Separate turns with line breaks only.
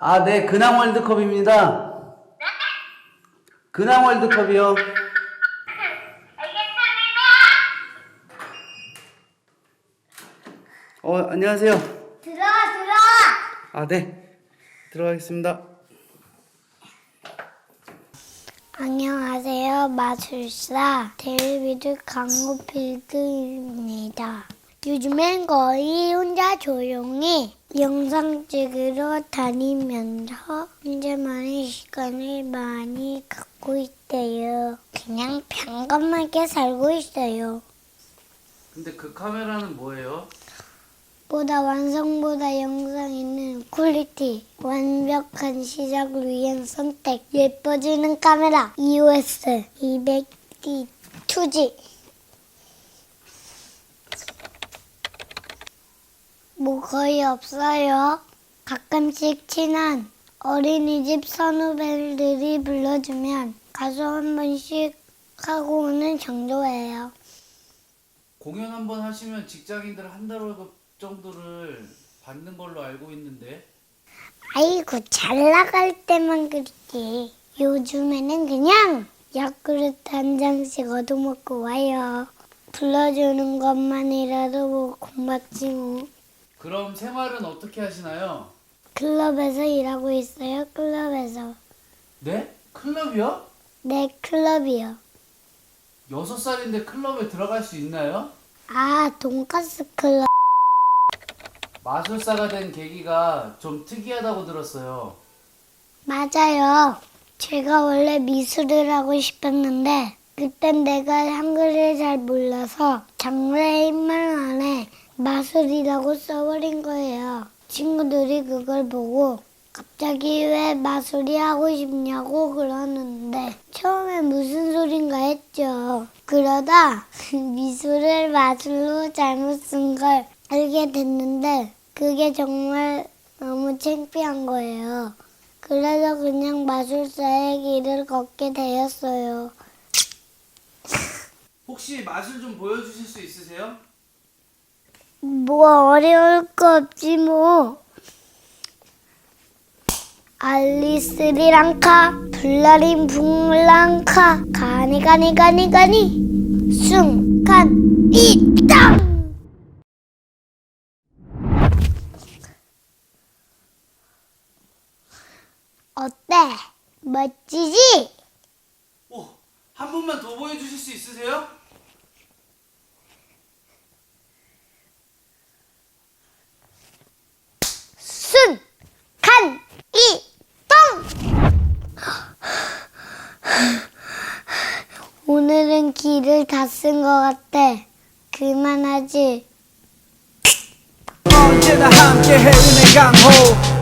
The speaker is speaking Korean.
네, 근황 월드컵입니다. 근황 월드컵이요. 안녕하세요.
들어와.
네. 들어가겠습니다.
안녕하세요. 마술사 데이비드 강호필드입니다. 요즘엔 거의 혼자 조용히 영상 찍으러 다니면서 혼자만의 시간을 많이 갖고 있대요. 그냥 평범하게 살고 있어요.
근데 그 카메라는 뭐예요?
보다 완성보다 영상에는 퀄리티, 완벽한 시작을 위한 선택, 예뻐지는 카메라 EOS 200D 2G. 뭐 거의 없어요. 가끔씩 친한 어린이집 선후배들이 불러주면 가서 한 번씩 하고 오는 정도예요.
공연 한번 하시면 직장인들 한 달 월급 정도를 받는 걸로 알고 있는데.
아이고 잘 나갈 때만 그렇지. 요즘에는 그냥 야쿠르트 한 잔씩 얻어먹고 와요. 불러주는 것만이라도 뭐 고맙지 뭐.
그럼 생활은 어떻게 하시나요?
클럽에서 일하고 있어요. 클럽에서.
네? 클럽이요?
네, 클럽이요.
6살인데 클럽에 들어갈 수 있나요?
돈가스 클럽.
마술사가 된 계기가 좀 특이하다고 들었어요.
맞아요. 제가 원래 미술을 하고 싶었는데 그땐 내가 한글을 잘 몰라서 장래희망 안에 마술이라고 써버린 거예요. 친구들이 그걸 보고 갑자기 왜 마술이 하고 싶냐고 그러는데 처음에 무슨 소린가 했죠. 그러다 미술을 마술로 잘못 쓴 걸 알게 됐는데 그게 정말 너무 창피한 거예요. 그래서 그냥 마술사의 길을 걷게 되었어요.
혹시 마술 좀 보여주실 수 있으세요?
뭐 어려울 거 없지 뭐. 알리스리랑카 블라린 붕랑카 가니 순간 이땅. 어때? 멋지지?
한 번만 더 보여주실 수 있으세요?
순간 이동. 오늘은 길을 다 쓴 것 같아. 그만하지.
언제나 함께해 은행 강호